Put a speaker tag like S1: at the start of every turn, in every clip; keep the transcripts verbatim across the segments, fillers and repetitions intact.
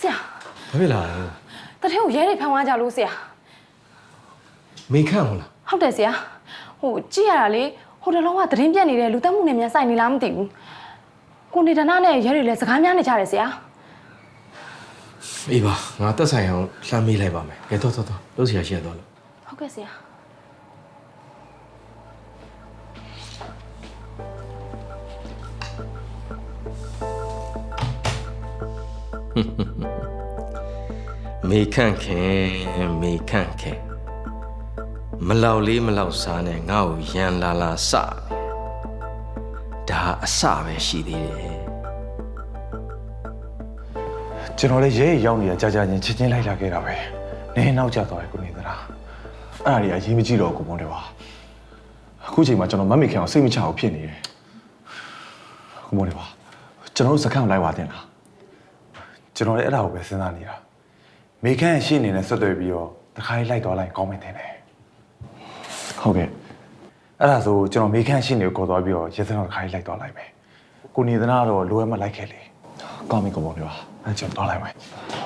S1: ဆရာ
S2: ဘာဖြစ်လာလဲ
S1: တထဲကိုရဲတွေဖမ်းသွားကြလို့ဆရာ
S2: မေခန့်ဟုတ်လား
S1: ဟုတ်တယ်ဆရာဟိုကြည့်ရတာလေဟိုတလုံးကသတင်းပြတ်နေတဲ့လူတက်မှုနဲ့မြန်ဆိုင်နေလားမသိဘူးကိုနေဒနာနဲ့ရဲတွေလည်းစကားများနေကြတယ်ဆရာ
S2: အေးပါငါတက်ဆိုင်အောင်လှမ်းမေးလိုက်ပါမယ်ကဲတော့တော့တော့လို့ဆရာရှိရတော့လို့
S1: ဟုတ်ကဲ့ဆရာ
S2: မေခန့်ခင်မေခန့်ခင်မလောက်လေးမလောက်စားနဲ့ငါ့ကိုရန်လာလာစဒါအစပဲရှိသေးတယ်
S3: ကျွန်တော်လည်းရဲရောက်နေတာကြာကြာချင်းချင်းချင်းလိုက်လာခဲ့တာပဲနင်းနောက်ကျသွားတယ်ကိုနေသလားအဲ့ဒါကြီးအရေးမကြီးတော့ကိုမွန်တယ်ပါအခုချိန်မှာကျွန်တော်မမေခင်အောင်စိတ်မချအောင်ဖြစ်နေတယ်ကိုမွန်တယ်ပါကျွန်တော်တို့စခန်းလိုက်ပါတင်လားကျွန်တော်လည်းအဲ့ဒါကိုပဲစဉ်းစားနေတာမေခန့်ရှင်းနေနဲ့ဆက်သွယ်ပြီးတော့တခါလေးလိုက်သွားလိုက်ကောင်းမယ်တင်တယ်ဟုတ်ကဲ့အဲ့ဒါဆိုကျွန်တော်မေခန့်ရှင်းနေကိုခေါ်သွားပြီးတော့ရဲစခန်းတခါလေးလိုက်သွားလိုက်မယ်ကိုနေသနာကတော့လိုအပ်မှလိုက်ခဲ့လေကောင်းပြီကိုမွန်တယ်ပါအဲ့ကျွန်တော်သွားလိုက်မယ်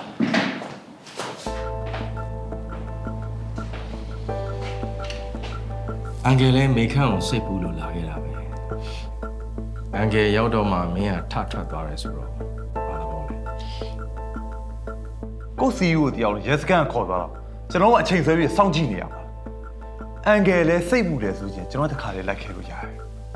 S2: အန်ကယ်လည်းမေခန့်ကိုစိတ်ပူလို့လာခဲ့တာပဲအန်ကယ်ရောက်တော့မှမင်းကထထွက်သွားတယ်ဆိုတော့ဘာလို့လဲ
S3: ကိုစီယူကိုတယောက်ရဲစခန်းခေါ်သွားတော့ကျွန်တော်ကအချိန်ဆွဲပြီးစောင့်ကြည့်နေရမှာအန်ကယ်လည်းစိတ်ပူတယ်ဆိုချင်းကျွန်တော်တခါလေးလိုက်ခဲ့လို့ရတယ်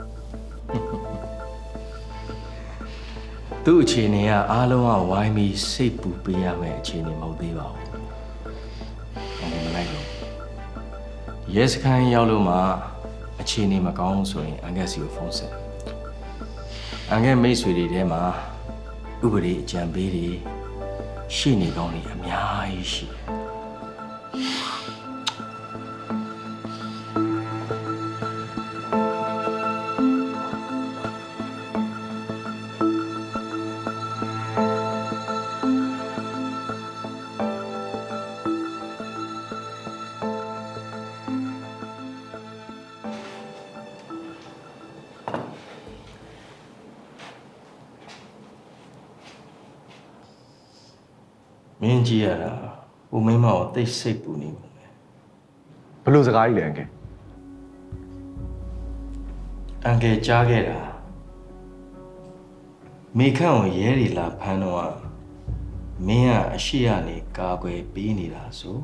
S2: သူ့အခြေအနေကအားလုံးကဝိုင်းပြီးစိတ်ပူပေးရမယ့်အခြေအနေမဟုတ်သေးပါဘူး။ဘာလို့မလိုက်လို့ရဲစခန်းရောက်လို့မှအခြေအနေမကောင်းဆိုရင်အန်ကက်စီကိုဖုန်းဆက်။အန်ကက်မိတ်ဆွေတွေထဲမှာဥပဒေအကြံပေးတွေရှိနေကောင်းနေအများကြီးရှိတယ်။မင်းကြီးရတာဦးမိမကိုသိစိတ်ပူနေမှာပဲ
S3: ဘလို့စကားကြီးလဲအန်ကယ်
S2: အန်ကယ်ကြားခဲ့တာမေခန့်ကိုရဲတွေလာဖမ်းတော့မင်းကအရှိရနေကာကွယ်ပေးနေတာဆို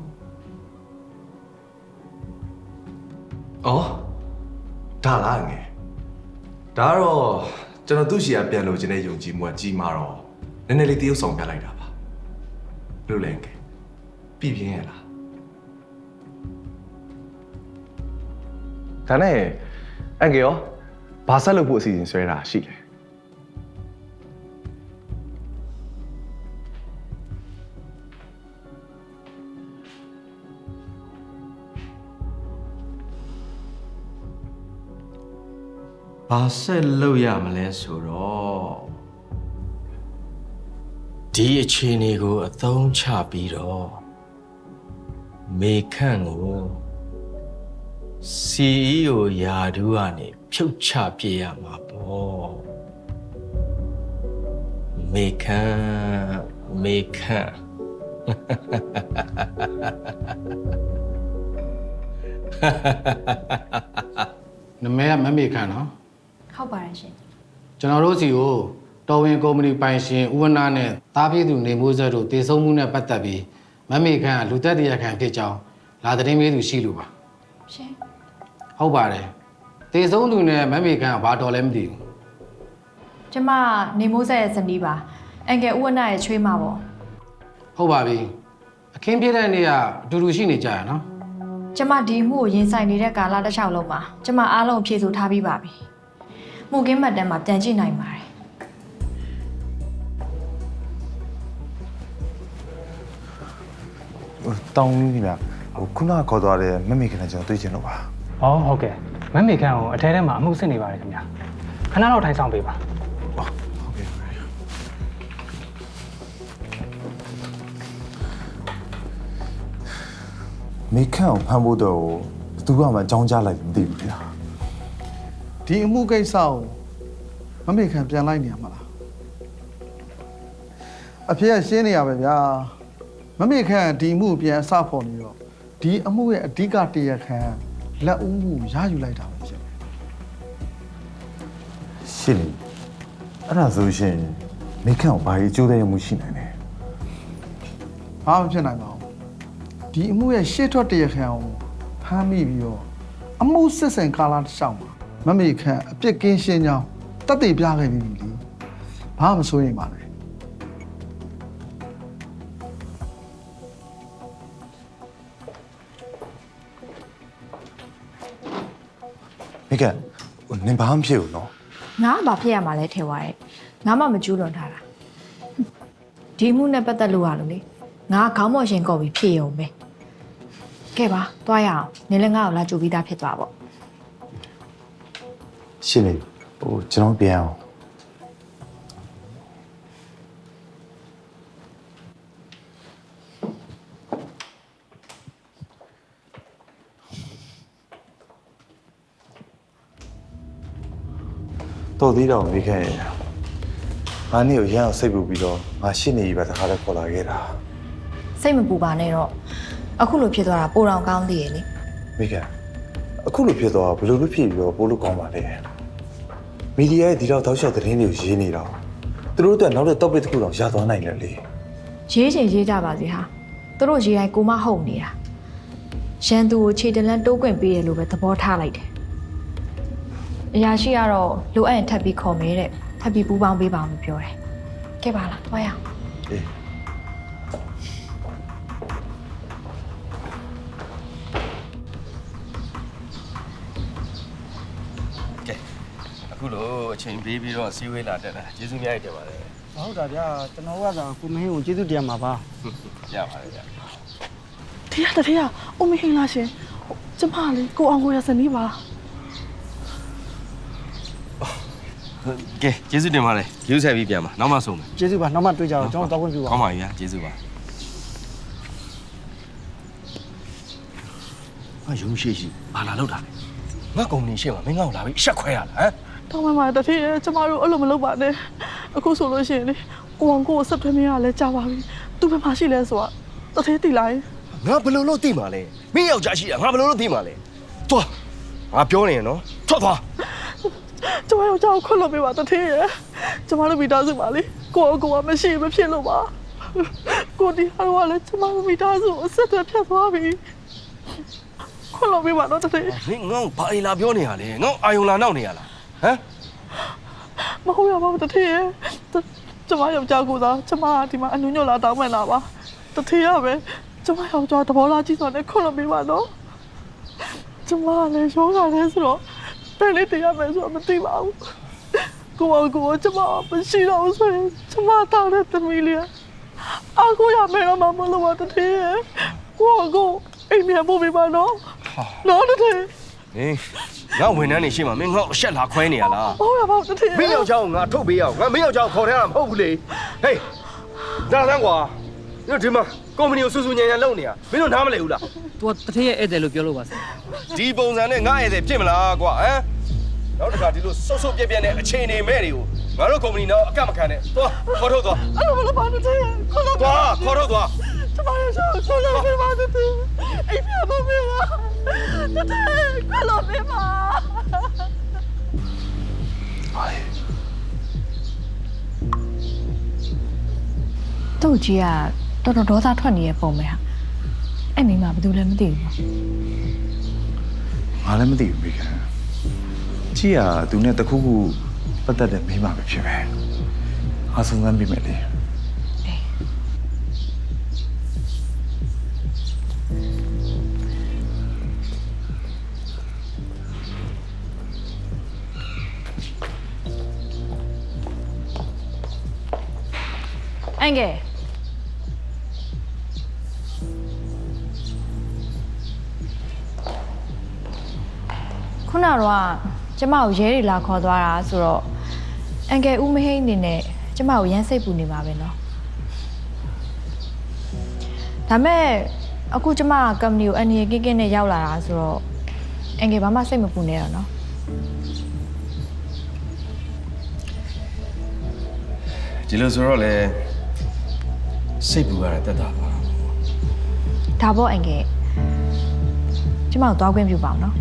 S3: အော်ဒါလားအန်ကယ်ဒါတော့ကျွန်တော်သူ့ရှီကပြန်လို့ခြင်းနဲ့ယုံကြည်မှုကကြီးမာတော့နည်းနည်းလေးတရုပ်ဆောင်ပြလိုက်တာပါလို့လဲအန်ကယ်ပြည်ပြင်းရလားဒါနဲ့အန်ကယ်ရောဘာဆက်လုပ်ဖို့အစီအစဉ်ဆွဲတာရှိလဲ
S2: ဘာဆက်လုပ်ရမလဲဆိုတော့ဒီအခြေအနေကိုအသုံးချပြီးတော့မေခန့်ကို စီ အီ အို ယာဒူးကနေဖြုတ်ချပြရမှာပေါ့မေခန့်မေခန့်
S4: နမဲကမမေခန့်နော်
S1: ဟုတ်ပါတယ်ရှင်
S4: ကျွန်တော်တို့စီကိုတော်ဝင်ကုမ္ပဏီပိုင်ရှင်ဦးဝနာနဲ့တားပြည်သူနေမိုးစက်တို့တည်ဆုံမှုနဲ့ပတ်သက်ပြီးမမေခန့်ကလူသက်တရားခံဖြစ်ကြောင်းလာသတင်းပေးသူရှိလို့ပါ
S1: ရှင်
S4: ဟုတ်ပါတယ်တည်ဆုံသူနဲ့မမေခန့်ကဘာတော်လဲမသိဘူး
S1: ကျမနေမိုးဆက်ရဲ့ဇနီးပါအန်ကယ်ဦးဝနာရဲ့ချွေးမပေါ့
S4: ဟုတ်ပါပြီအခင်းပြတဲ့နေ့ကအတူတူရှိနေကြရနော်
S1: ကျမဒီမှုကိုရင်ဆိုင်နေတဲ့ကာလတစ်လျှောက်လုံးမှာကျမအားလုံးဖြည့်ဆို့ထားပြီးပါပြီမှုကင်းမှတ်တမ်းမှာပြန်ကြည့်နိုင်ပါတယ်
S3: တောင်းနေပြီဟိုခုနခေါ်သွားတဲ့မမေခင်နဲ့ကျွန်တော်တွေ့ချင်လို့ပါ
S5: ဟောဟုတ်ကဲ့မမေခန့်ကိုအထဲထဲမှာအမှုစစ်နေပါတယ်ခင်ဗျာခဏတော့ထိုင်ဆောင်ပေးပါ
S3: ဟုတ်ကဲ့မေခန့်ကိုဖမ်းဖို့တော့ဘသူကမှအကြောင်းကြားလိုက်မသိဘူးဗျာ
S6: ဒီအမှုကိစ္စကိုမမေခန့်ပြန်လိုက်နေရမှာလားအဖေကရှင်းနေရပဲဗျာမမေခန့်ဒီအမှုပြန်အစဖော်နေတော့ဒီအမှုရဲ့အဓိကတရားခံလက်ဦးမှုရယူလိုက်တာပဲဖြစ်တယ်
S3: ရှင်းနေအဲ့ဒါဆိုရှင်မိခန့်ကိုဘာကြီးအကျိုးသက်ရောက်မှုရှိနိုင်လဲ
S6: ဘာမှဖြစ်နိုင်ပါဘူးဒီအမှုရဲ့ရှေ့ထွက်တရားခံကိုဖမ်းမိပြီးတော့အမှုစစ်စင်ကာလတစ်လျှောက်မှာမမေခန့်အပြစ်ကင်းရှင်းကြောင်းတတ်သိပြခဲ့ပြီးပြီလေဘာမှမစိုးရိမ်ပါနဲ့
S3: မိခန့်ဟိုနင်ဘာမှမဖြစ်ဘူးနော်
S7: ငါကဘာဖြစ်ရမှာလဲထင်သွားတယ်ငါမှမကျူးလွန်ထားတာဒီမှုနဲ့ပတ်သက်လို့ရလို့လေငါခေါင်းမော်ရှင်ကော်ပြီးဖြည့်ရုံပဲကဲပါသွားရအောင်နင်လည်းငါ့ကိုလာကြိုပြီးသားဖြစ်သွားပေါ့
S3: ရှင်းနေဟိုကျွန်တော်ပြန်အောင်တော်သေးတော့မိခဲ့ရငါနေ့ကိုရမ်းအောင်စိတ်ပူပြီးတော့ငါရှင်းနေပြီပဲတခါတည်းခေါ်လာခဲ့တာ
S7: စိတ်မပူပါနဲ့တော့အခုလိုဖြစ်သွားတာပိုတော်ကောင်းသေးရဲ့လေ
S3: မိခင်အခုလိုဖြစ်သွားဘယ်လိုလုပ်ဖြစ်ပြီးတော့ပို့လို့ကောင်းပါလဲမီဒီယာရဲ့ဒီတော့တောက်လျှောက်သတင်းတွေကိုရေးနေတော့သူတို့အတွက်နောက်တဲ့ topic တစ်ခုတော့ရသွားနိုင်တယ်လေ
S7: ရေးချင်ရေးကြပါစေဟာသူတို့ရေးတိုင်းကိုမဟုတ်နေတာရန်သူကိုခြေတလန်းတိုးကွင်ပေးတယ်လို့ပဲသဘောထားလိုက်တယ်အရာရှိကတော့လိုအပ်ရင်ထပ်ပြီးခေါ်မယ်တဲ့ထပ်ပြီးပူပေါင်းပေးပါအောင်ပြောတယ်ကဲပါလားသွားရအောင်
S3: အေး
S2: ကဲအခုလို့အချိန်ပေးပြီးတော့စီးဝေးလာတက်တာကျေးဇူးများကြီးတင်ပါတယ်
S8: ဟုတ်တာဗျာကျွန်တော်ကသာကိုမင်းကိုကျေးဇူးတင်ပါပါ
S2: ရပါတယ်ဗျ
S9: ဖေရတဖေရအုံမဟင်းလားရှင်ကျမလေးကိုအောင်ကိုရစနီးပါ
S2: ကဲကျေးဇူးတင်ပါတယ်ကျေးဇူးဆက်ပြီးပြန်ပါနောက်မှဆုံးမယ်
S8: ကျေးဇူးပါနောက်မှတွေ့ကြတော့ကျွန်တော်တောက်ခွင့်ပြုပါ
S2: ကောင်းပါပြီဗျာကျေးဇူးပါအယုံရှိရှိဘာလာလောက်တာလဲငါကုမ္ပဏီရှေ့မှာမင်းငါ့ကိုလာပြီးရှက်ခွဲရလားဟမ်
S9: တောင်းမှမှာတဖေရကျမတို့အဲ့လိုမလုပ်ပါနဲ့အခုဆိုလို့ရှိရင်လေကိုအောင်ကိုကိုဆက်သွယ်မရလဲကြားပါပြီသူဘယ်မှာရှိလဲဆိုတာတဖေးတိလိုက်
S2: ငါဘယ်လိုလုပ်သိမှာလဲမင်းယောက်ျားရှိတာငါဘယ်လိုလုပ်သိမှာလဲသွားငါပြောနေရနော်ထွက်သွား
S9: ကျမတို့ကြောက်ခွလို့ပေးပါတဖေးရကျမတို့မိသားစုပါလေကိုအောင်ကိုကမရှိမဖြစ်လို့ပါကိုဒီဟာကလည်းကျမတို့မိသားစုအဆက်အသွယ်ဖြတ်သွားပြီခွလို့ပေးပါတော့တဖေး
S2: မင်းငါ့ကိုဘာအိမ်လာပြောနေရလဲငါ့အာယုံလာနောက်နေရလားဟမ်
S9: မဟုတ်ရပါဘူးတထေးရဲ့ကျမယောက်ျားကိုသာကျမဒီမှာအနုညွတ်လာတောင်းမှန်လာပါတထေးရပဲကျမယောက်ျားသဘောလားကြည့်ဆိုတော့ခွလို့ပေးပါတော့ကျမလည်းရောဂါလဲဆိုတော့ဘယ်လေးတရမယ်ဆိုတော့မသိပါဘူးကိုအောင်ကိုကျမမရှိတော့ဘူးဆိုရင်ကျမတောင်းတဲ့သမီးလေးအကူရမယ်တော့မမလို့ပါတထေးရဲ့ကိုအောင်ကိုအိမ်မြန်ဖို့ပေးပါနော်နော်တထေး
S2: ဟင်းငါဝန်ထမ်းနေရှိမှမင်းငါ့ကိုရှက်လာခွဲနေရလား
S9: ဟုတ်ရပါတထေး
S2: မင်းယောက်ျားကိုငါထုတ်ပေးရအောင်ငါမင်းယောက်ျားကိုခေါ်ထဲတာမဟုတ်ဘူးလေဟေးဒါဆန်းကွာညဒီမှာကုမ္ပဏီကိုစူးစူးညံညံလုပ်နေတာမင်းတို့နားမလည်ဘူးလား
S8: तू တထေးရဲ့ဧည့်သည်လို့ပြောလို့ပါဆရာ
S2: ဒီပုံစံနဲ့ငါ့ရဲ့ဖြစ်မလားကွာဟမ်နောက်တစ်ခါဒီလိုဆုပ်ဆုပ်ပြက်ပြက်နဲ့အချိန်နေမဲ့တွေကိုငါတို့ကုမ္ပဏီတော့အကန့်မခံနဲ့သွားခေါ်ထုတ်သွား
S9: အဲ့လိုမလုပ်ပါနဲ့တထေးခွလို့
S2: သွားခေါ်ထုတ်သွား
S9: ကျမရဲ့ဆောခွလို့ပေးပါတထေးအိမ်ပြန်ဖို့ပေးပါတထေးခွလို့ပေးပါ
S7: သူ့ကြီးကတော်တော်ဒေါသထွက်နေတဲ့ပုံပဲဟာအဲ့မိမဘာလို့လဲမသိဘူးပေါ့
S3: ငါလည်းမသိဘူးမိခင်ကြည့်ရသူနဲ့တခုခုပတ်သက်တဲ့မိမပဲဖြစ်ပဲအားဆုံးစမ်းပြီးမယ်လေ
S7: အန်ကဲခုနကတော့ကျမကိုရဲတွေလာခေါ်သွားတာဆိုတော့အန်ကဲဦးမဟိန်းအနေနဲ့ကျမကိုရမ်းစိတ်ပူနေပါပဲเนาะဒါမဲ့အခုကျမကကုမ္ပဏီကိုအန်ရီကင်းကင်းနဲ့ရောက်လာတာဆိုတော့အန်ကဲဘာမှစိတ်မပူနဲ့တော့เนาะ
S2: ဒီလိုဆိုတော့လေစိတ်ပူရတဲ့တက်တာပါ
S7: ဒါပေါ့အန်ကယ်ကျမတို့သွားခွင့်ပြုပါအောင်နော်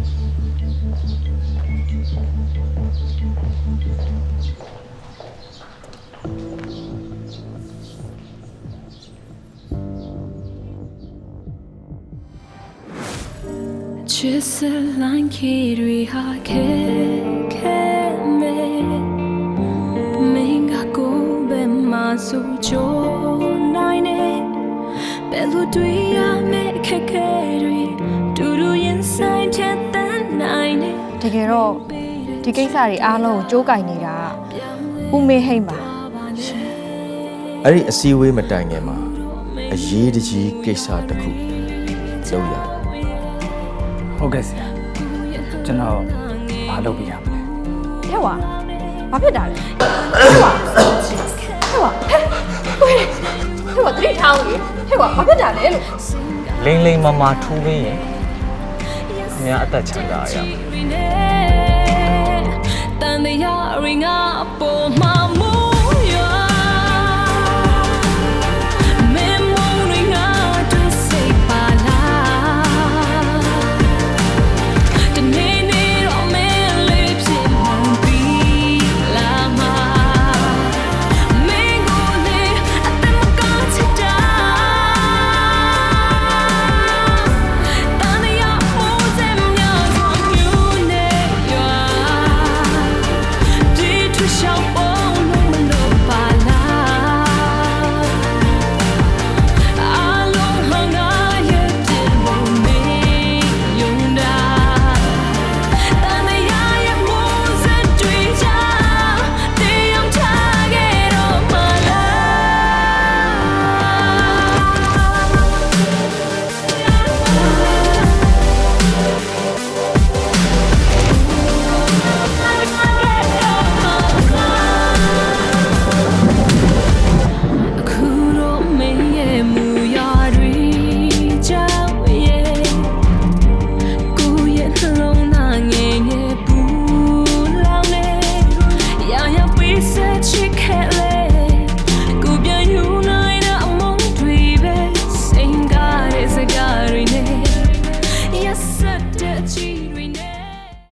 S10: Just a line kid we ha ke ke me Menga ko be ma su jo nai ne Belu dwi ya me ke ke dwi Du du yin sai chat tan nai ne
S7: တကယ်တော့ဒီကိစ္စတွေအားလုံးကိုကြိုးကင်နေတာဦးမေဟိမ့်ပါ
S2: အဲ့ဒီအစည်းအဝေးမတိုင်ခင်မှာအရေးတကြီးကိစ္စတစ်ခုလုပ်ရ
S5: ဟုတ်ကဲ့ဆရာကျွန်တော်မလုပ်ပြရမလဲ
S7: ဟဲ့ဝါဘာဖြစ်တာလဲဟဲ့ဝါဟဲ့ဝါဟဲ့ဟဲ့ဝါတတိထောင်းကြီးဟဲ့ဝါဘာဖြစ်တာလဲလို့
S8: လိမ့်လိမ့်မမထိုးပေးရင်ခင်ဗျာအသက်ချမ်းသာရမယ်
S10: Tan de ya ring up